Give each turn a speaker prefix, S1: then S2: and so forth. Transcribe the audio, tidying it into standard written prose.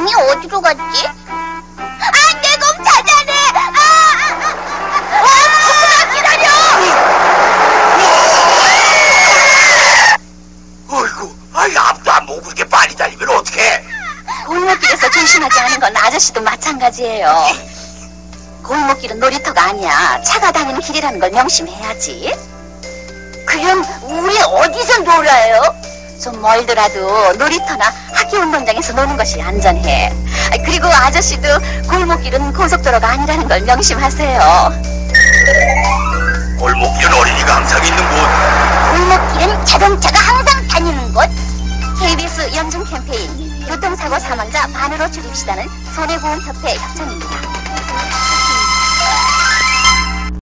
S1: 공이 어디로 갔지? 아, 내 공 찾아내! 조금만 기다려!
S2: 어이구, 앞도 안 보고 그렇게 빨리 달리면 어떡해?
S3: 골목길에서 조심하지 않은 건 아저씨도 마찬가지예요. 골목길은 놀이터가 아니야. 차가 다니는 길이라는 걸 명심해야지.
S1: 그럼 우리 어디서 놀아요?
S3: 좀 멀더라도 놀이터나 학교 운동장에서 노는 것이 안전해. 그리고 아저씨도 골목길은 고속도로가 아니라는 걸 명심하세요.
S2: 골목길은 어린이가 항상 있는 곳.
S1: 골목길은 자동차가 항상 다니는 곳.
S3: KBS 연중 캠페인 교통사고 사망자 반으로 줄입시다는 손해보험협회 협찬입니다.